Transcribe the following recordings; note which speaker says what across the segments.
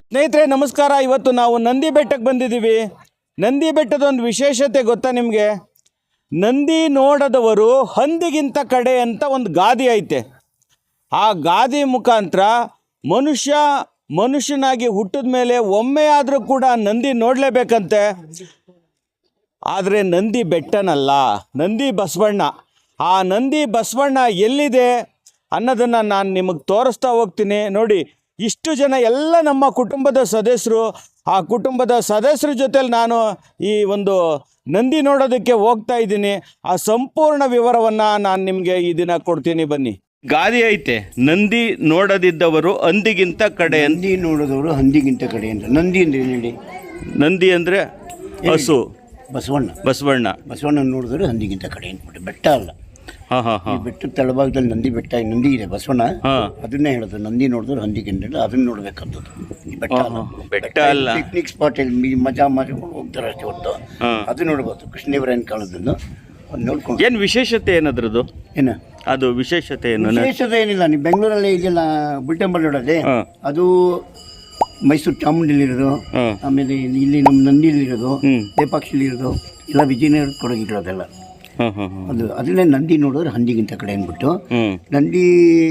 Speaker 1: ಸ್ನೇಹಿತರೆ ನಮಸ್ಕಾರ. ಇವತ್ತು ನಾವು ನಂದಿ ಬೆಟ್ಟಕ್ಕೆ ಬಂದಿದ್ದೀವಿ. ನಂದಿ ಬೆಟ್ಟದ ಒಂದು ವಿಶೇಷತೆ ಗೊತ್ತಾ ನಿಮಗೆ? ನಂದಿ ನೋಡದವರು ಹಂದಿಗಿಂತ ಕಡೆ ಅಂತ ಒಂದು ಗಾದೆ ಐತೆ. ಆ ಗಾದೆ ಮುಖಾಂತರ ಮನುಷ್ಯನಾಗಿ ಹುಟ್ಟಿದ ಮೇಲೆ ಒಮ್ಮೆ ಆದರೂ ಕೂಡ ನಂದಿ ನೋಡಲೇಬೇಕಂತೆ. ಆದರೆ ನಂದಿ ಬೆಟ್ಟನಲ್ಲ, ನಂದಿ ಬಸವಣ್ಣ. ಆ ನಂದಿ ಬಸವಣ್ಣ ಎಲ್ಲಿದೆ ಅನ್ನೋದನ್ನು ನಾನು ನಿಮಗೆ ತೋರಿಸ್ತಾ ಹೋಗ್ತೀನಿ. ನೋಡಿ, ಇಷ್ಟು ಜನ ಎಲ್ಲ ನಮ್ಮ ಕುಟುಂಬದ ಸದಸ್ಯರು. ಆ ಕುಟುಂಬದ ಸದಸ್ಯರ ಜೊತೆಲಿ ನಾನು ಈ ಒಂದು ನಂದಿ ನೋಡೋದಕ್ಕೆ ಹೋಗ್ತಾ ಇದ್ದೀನಿ. ಆ ಸಂಪೂರ್ಣ ವಿವರವನ್ನು ನಾನು ನಿಮಗೆ ಈ ದಿನ ಕೊಡ್ತೀನಿ, ಬನ್ನಿ. ಗಾದೆ ಐತೆ, ನಂದಿ ನೋಡದಿದ್ದವರು ಹಂದಿಗಿಂತ ಕಡೆ.
Speaker 2: ನಂದಿ ನೋಡೋದವರು ಹಂದಿಗಿಂತ ಕಡೆ ಅಂತ. ನಂದಿ ಅಂದ್ರೆ ಹೇಳಿ.
Speaker 1: ನಂದಿ ಅಂದರೆ ಹಸು.
Speaker 2: ಬಸವಣ್ಣ ನೋಡಿದ್ರೆ ಹಂದಿಗಿಂತ ಕಡೆ ಅಂದ್ಬಿಟ್ಟು. ಬೆಟ್ಟ ಅಲ್ಲ. ಈ ಬೆಟ್ಟದ ತಳಭಾಗದಲ್ಲಿ ನಂದಿ ಬೆಟ್ಟ, ನಂದಿ ಇದೆ, ಬಸವಣ್ಣ. ಅದನ್ನೇ ಹೇಳೋದು, ನಂದಿ ನೋಡಿದ್ರೆ ಹಂದಿಗಿಂತ. ಅದನ್ನ ನೋಡ್ಬೇಕಂತದ್ದು. ಈ ಬೆಟ್ಟ ಅಲ್ಲ, ಪಿಕ್ನಿಕ್ ಸ್ಪಾಟ್ ಅಲ್ಲಿ ಮಜಾ ಹೋಗ್ತಾರೆ ಅಷ್ಟೇ ಹೊತ್ತು. ಅದು ನೋಡ್ಬೋದು. ಕೃಷ್ಣದೇವರಾಯನ ಕಾಲದನ್ನು ನೋಡ್ಕೊಂಡು.
Speaker 1: ಏನು ವಿಶೇಷತೆ ಏನದ್ರದ್ದು?
Speaker 2: ಏನು
Speaker 1: ಅದು ವಿಶೇಷತೆ ಏನು?
Speaker 2: ವಿಶೇಷತೆ ಏನಿಲ್ಲ. ನೀವು ಬೆಂಗಳೂರಲ್ಲಿ ಇದೆಲ್ಲ ಬುಲ್ಟೆಂಬಲ್ ನೋಡೋದೇ, ಅದು ಮೈಸೂರು ಚಾಮುಂಡಿಲಿರೋದು, ಆಮೇಲೆ ಇಲ್ಲಿ ನಮ್ಮ ನಂದಿಲಿರೋದು, ಲೇಪಾಕ್ಷಿಲಿರೋದು, ಎಲ್ಲ ವಿಜಯನಗರ ಕೊಡಗಿರೋದೆಲ್ಲ. ಅದು ಅದನ್ನೇ ನಂದಿ ನೋಡಿದ್ರೆ ಹಂದಿಗಿಂತ ಕಡೆ ಅಂದ್ಬಿಟ್ಟು. ನಂದಿ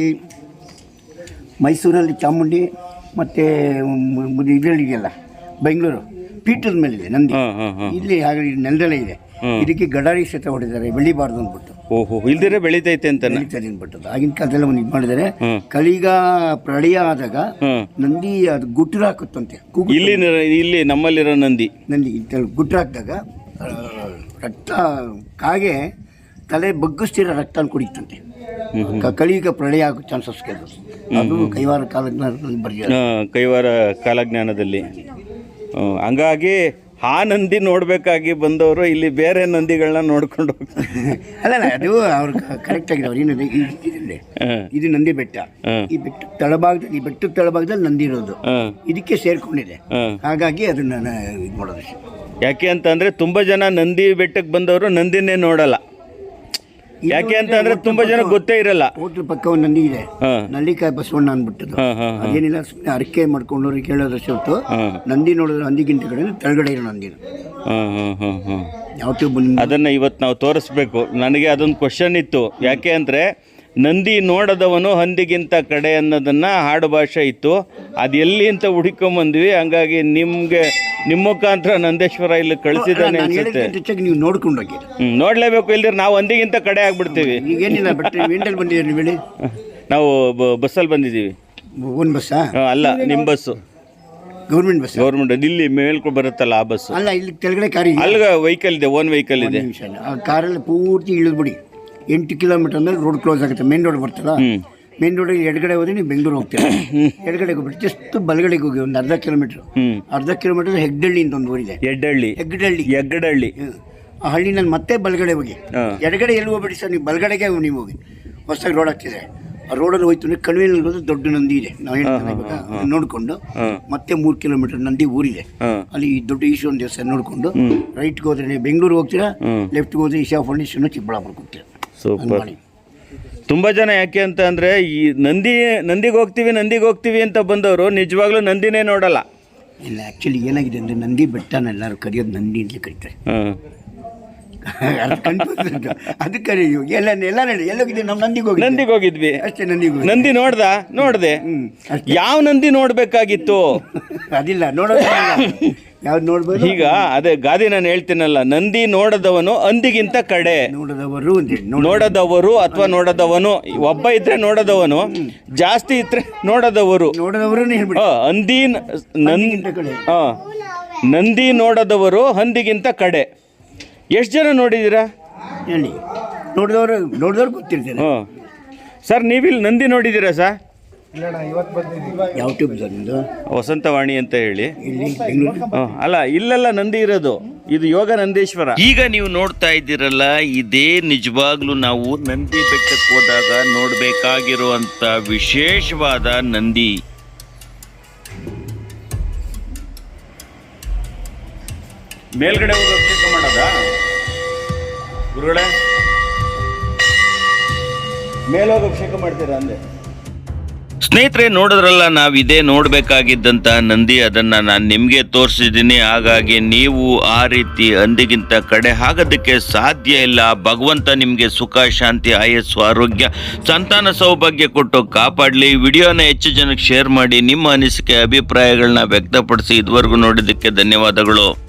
Speaker 2: ಮೈಸೂರಲ್ಲಿ ಚಾಮುಂಡಿ ಮತ್ತು ಇದರಲ್ಲಿದೆಯಲ್ಲ ಬೆಂಗಳೂರು ಪೀಠದ ಮೇಲಿದೆ ನಂದಿ. ಇಲ್ಲಿ ಹಾಗೆ ನೆಲದಲ್ಲೇ ಇದೆ. ಇದಕ್ಕೆ ಗಡಾರಿ ಕ್ಷೇತ್ರ ಹೊಡಿದ್ದಾರೆ, ಬೆಳಿಬಾರ್ದು ಅಂದ್ಬಿಟ್ಟು.
Speaker 1: ಇಲ್ದಿರೆ ಬೆಳೀತೈತೆ ಅಂತ
Speaker 2: ಅಂದ್ಬಿಟ್ಟು ಆಗಿನ ಕಾಲದಲ್ಲಿ ಒಂದು ಇದು ಮಾಡಿದ್ದಾರೆ. ಕಳಿಗ ಪ್ರಳಯ ಆದಾಗ ನಂದಿ ಅದು ಗುಟ್ರ ಹಾಕುತ್ತಂತೆ.
Speaker 1: ಇಲ್ಲಿ ನಮ್ಮಲ್ಲಿರೋ ನಂದಿ
Speaker 2: ಗುಟ್ರ ಹಾಕಿದಾಗ ರಕ್ತ ಕಾಗೆ ತಲೆ ಬಗ್ಗಿಸ್ತಿರೋ ರಕ್ತ ಕುಡಿತಂತೆ. ಕಳಿಗ ಪ್ರಳಯ ಆಗೋ ಚಾನ್ಸಸ್ ಅದು ಕೈವಾರ ಕಾಲಜ್ಞಾನದಲ್ಲಿ ಬರೆಯ
Speaker 1: ಕೈವಾರ ಕಾಲಜ್ಞಾನದಲ್ಲಿ. ಹಂಗಾಗಿ ಆ ನಂದಿ ನೋಡ್ಬೇಕಾಗಿ ಬಂದವರು ಇಲ್ಲಿ ಬೇರೆ ನಂದಿಗಳನ್ನ ನೋಡ್ಕೊಂಡು ಹೋಗ್ತಾರೆ.
Speaker 2: ಅಲ್ಲ, ಅದು ಅವ್ರು ಕರೆಕ್ಟ್ ಆಗಿದೆ. ಅವ್ರು ಏನಿದೆ, ಇದು ನಂದಿ ಬೆಟ್ಟ. ಈ ಬೆಟ್ಟದ ತಳಭಾಗದಲ್ಲಿ ನಂದಿ ಇರೋದು ಇದಕ್ಕೆ ಸೇರ್ಕೊಂಡಿದೆ. ಹಾಗಾಗಿ ಅದನ್ನ ಇದು ಮಾಡೋದು.
Speaker 1: ಯಾಕೆ ಅಂತಂದ್ರೆ ತುಂಬಾ ಜನ ನಂದಿ ಬೆಟ್ಟಕ್ಕೆ ಬಂದವರು ನಂದಿನೇ ನೋಡಲ್ಲ. ಯಾಕೆ ಅಂತಂದ್ರೆ ತುಂಬಾ ಜನ ಗೊತ್ತೇ ಇರಲ್ಲ.
Speaker 2: ಹೋಟ್ಲ್ ಪಕ್ಕ ಒಂದು ನಂದಿ ಇದೆ, ನಲ್ಲಿಕಾಯಿ ಬಸವಣ್ಣ ಅಂದ್ಬಿಟ್ಟದು. ಅದೇನಿಲ್ಲ, ಸುಮ್ಮನೆ ಅರಕೆ ಮಾಡ್ಕೊಂಡವ್ರಿಗೆ ಕೇಳೋದಷ್ಟು ಹೊತ್ತು ನಂದಿ ನೋಡಿದ್ರೆ ಹಂದಿಗಿಂತ ಕಡೆ ತೆಳಗಡೆ ಇರೋ ನಂದಿನ ಯಾವ
Speaker 1: ಅದನ್ನ ಇವತ್ತು ನಾವು ತೋರಿಸ್ಬೇಕು. ನನಗೆ ಅದೊಂದು ಕ್ವಶನ್ ಇತ್ತು. ಯಾಕೆ ಅಂದರೆ ನಂದಿ ನೋಡದವನು ಹಂದಿಗಿಂತ ಕಡೆ ಅನ್ನೋದನ್ನ ಹಾಡು ಭಾಷೆ ಇತ್ತು. ಅದು ಎಲ್ಲಿ ಅಂತ ಹುಡುಕೊಂಬಂದ್ವಿ. ಹಂಗಾಗಿ ನಿಮ್ಮ ಮುಖಾಂತರ ನಂದೇಶ್ವರ ಇಲ್ಲಿ ಕಳಿಸಿದ್ದಾನೆ ಅನ್ಸುತ್ತೆ.
Speaker 2: ನೀವು ನೋಡ್ಕೊಂಡೋಗಿ
Speaker 1: ನೋಡ್ಲೇಬೇಕು, ಇಲ್ದಿರ ನಾವು ಹಂದಿಗಿಂತ ಕಡೆ ಆಗ್ಬಿಡ್ತೀವಿ.
Speaker 2: ಈಗೇನಿಲ್ಲ, ಬಂದಿದ್ದೀರಿ
Speaker 1: ನಾವು ಬಸ್ಸಲ್ಲಿ ಬಂದಿದ್ದೀವಿ.
Speaker 2: ಓನ್ ಬಸ್ಸಾ?
Speaker 1: ಅಲ್ಲ, ನಿಮ್ಮ ಬಸ್ಸು ಗೌರ್ಮೆಂಟ್ ಇಲ್ಲಿ ಮೇಲ್ಕೊಂಡು ಬರುತ್ತಲ್ಲ ಆ ಬಸ್ಸು.
Speaker 2: ಅಲ್ಲ, ಇಲ್ಲಿ ಕೆಳಗಡೆ ಕಾರ್ ಇದೆ.
Speaker 1: ಅಲ್ಲಿಗೆ ವೆಹಿಕಲ್ ಇದೆ, ಓನ್ ವೆಹಿಕಲ್ ಇದೆ.
Speaker 2: ಆ ಕಾರಲ್ಲಿ ಪೂರ್ತಿ ಇಳಿದ್ಬಿಡಿ. 8 ಕಿಲೋಮೀಟರ್ ಮೇಲೆ ರೋಡ್ ಕ್ಲೋಸ್ ಆಗುತ್ತೆ. ಮೇನ್ ರೋಡ್ ಬರ್ತಲ್ಲ, ಮೇನ್ ರೋಡಿಗೆ ಎಡಗಡೆ ಹೋದ್ರೆ ನೀವು ಬೆಂಗಳೂರು ಹೋಗ್ತೀರಾ. ಎಡಗಡೆಗೆ ಹೋಗ್ಬಿಟ್ಟು ಜಸ್ಟ್ ಬಲಗಡೆಗೆ ಹೋಗಿ ಒಂದು ಅರ್ಧ ಕಿಲೋಮೀಟರ್ ಹೆಗ್ಡಳ್ಳಿ ಅಂತ ಒಂದು ಊರಿದೆ. ಹೆಗ್ಗಡಳ್ಳಿ. ಆ ಹಳ್ಳಿನಲ್ಲಿ ಮತ್ತೆ ಬಲಗಡೆ ಹೋಗಿ. ಎಡಗಡೆ ಎಲ್ಲಿ ಹೋಗ್ಬೇಡಿ ಸರ್, ನೀವು ಬಲಗಡೆಗೆ ನೀವು ಹೋಗಿ. ಹೊಸದಾಗಿ ರೋಡ್ ಆಗ್ತಿದೆ. ಆ ರೋಡಲ್ಲಿ ಹೋಯ್ತು ಅಂದರೆ ಕಣಿವೆಯಲ್ಲಿ ಹೋದ್ರೆ ದೊಡ್ಡ ನಂದಿ ಇದೆ. ನಾವು ಹೇಳ್ತೀವಿ ನೋಡಿಕೊಂಡು ಮತ್ತೆ 3 ಕಿಲೋಮೀಟರ್ ನಂದಿ ಊರಿದೆ. ಅಲ್ಲಿ ದೊಡ್ಡ ಈಶ್ವರನ ದೇವಸ್ಥಾನ ನೋಡಿಕೊಂಡು ರೈಟ್ಗೆ ಹೋದ್ರೆ ನೀವು ಬೆಂಗಳೂರು ಹೋಗ್ತೀರಾ, ಲೆಫ್ಟ್ಗೆ ಹೋದ್ರೆ ಈಶಾ ಫೌಂಡೇಶನ್ ಚಿಕ್ಕಬಳ್ಳಾಪುರಕ್ಕೆ ಹೋಗ್ತೀರಾ.
Speaker 1: ಸೂಪರ್. ತುಂಬ ಜನ ಯಾಕೆ ಅಂತ ಅಂದರೆ ಈ ನಂದಿಗೆ ಹೋಗ್ತೀವಿ ಅಂತ ಬಂದವರು ನಿಜವಾಗ್ಲೂ ನಂದಿನೇ ನೋಡಲ್ಲ.
Speaker 2: ಇಲ್ಲ, ಆ್ಯಕ್ಚುಲಿ ಏನಾಗಿದೆ ಅಂದರೆ ನಂದಿ ಬೆಟ್ಟನ ಎಲ್ಲರೂ ಕರೆಯೋದು ನಂದಿ ಅಂತಲೇ ಕರೀತಾರೆ. ಅದಕ್ಕೆ ಎಲ್ಲೋಗಿದ್ವಿ ನಾವು ನಂದಿಗೆ ಹೋಗಿದ್ವಿ ಅಷ್ಟೇ.
Speaker 1: ನಂದಿ ನೋಡ್ದೆ. ಯಾವ ನಂದಿ ನೋಡ್ಬೇಕಾಗಿತ್ತು?
Speaker 2: ಅದಿಲ್ಲ, ನೋಡೋದು ಯಾವ್ದು ನೋಡ್ಬೋದು.
Speaker 1: ಈಗ ಅದೇ ಗಾದಿ ನಾನು ಹೇಳ್ತೀನಲ್ಲ, ನಂದಿ ನೋಡದವನು ಹಂದಿಗಿಂತ ಕಡೆ. ನೋಡದವರು ಅಥವಾ ನೋಡದವನು ಒಬ್ಬ ಇದ್ರೆ ನೋಡದವನು, ಜಾಸ್ತಿ ಇದ್ರೆ ನೋಡದವರು. ನಂದಿ ನೋಡದವರು ಹಂದಿಗಿಂತ ಕಡೆ. ಎಷ್ಟು ಜನ ನೋಡಿದ್ದೀರಾ
Speaker 2: ಹೇಳಿ? ನೋಡಿದವ್ರು ಗೊತ್ತಿರ್ತೀರ.
Speaker 1: ಸರ್, ನೀವಿಲ್ಲಿ ನಂದಿ ನೋಡಿದ್ದೀರಾ ಸರ್?
Speaker 2: ಯಾವ
Speaker 1: ವಸಂತವಾಣಿ ಅಂತ ಹೇಳಿ ಅಲ್ಲ, ಇಲ್ಲೆಲ್ಲ ನಂದಿ ಇರೋದು. ಇದು ಯೋಗ ನಂದೀಶ್ವರ. ಈಗ ನೀವು ನೋಡ್ತಾ ಇದ್ದೀರಲ್ಲ, ಇದೇ ನಿಜವಾಗ್ಲೂ ನಾವು ನಂದಿ ಬೆಟ್ಟಕ್ಕೆ ಹೋದಾಗ ನೋಡ್ಬೇಕಾಗಿರುವಂತ ವಿಶೇಷವಾದ ನಂದಿ. ಮೇಲ್ಗಡೆ ಹೋಗಿ ಅಭಿಷೇಕ ಮಾಡೋದ ಗುರುಗಳೇ? ಮೇಲೋಗಿ ಅಭಿಷೇಕ ಮಾಡ್ತೀರಾ ಅಂದೆ? ಸ್ನೇಹಿತರೆ, ನೋಡಿದ್ರಲ್ಲ, ನಾವಿದೇ ನೋಡಬೇಕಾಗಿದ್ದಂಥ ನಂದಿ. ಅದನ್ನು ನಾನು ನಿಮಗೆ ತೋರಿಸಿದ್ದೀನಿ. ಹಾಗಾಗಿ ನೀವು ಆ ರೀತಿ ಹಂದಿಗಿಂತ ಕಡೆ ಆಗೋದಕ್ಕೆ ಸಾಧ್ಯ ಇಲ್ಲ. ಭಗವಂತ ನಿಮಗೆ ಸುಖ, ಶಾಂತಿ, ಆಯಸ್ಸು, ಆರೋಗ್ಯ, ಸಂತಾನ ಸೌಭಾಗ್ಯ ಕೊಟ್ಟು ಕಾಪಾಡಲಿ. ವಿಡಿಯೋನ ಹೆಚ್ಚು ಜನಕ್ಕೆ ಶೇರ್ ಮಾಡಿ. ನಿಮ್ಮ ಅನಿಸಿಕೆ, ಅಭಿಪ್ರಾಯಗಳನ್ನ ವ್ಯಕ್ತಪಡಿಸಿ. ಇದುವರೆಗೂ ನೋಡಿದ್ದಕ್ಕೆ ಧನ್ಯವಾದಗಳು.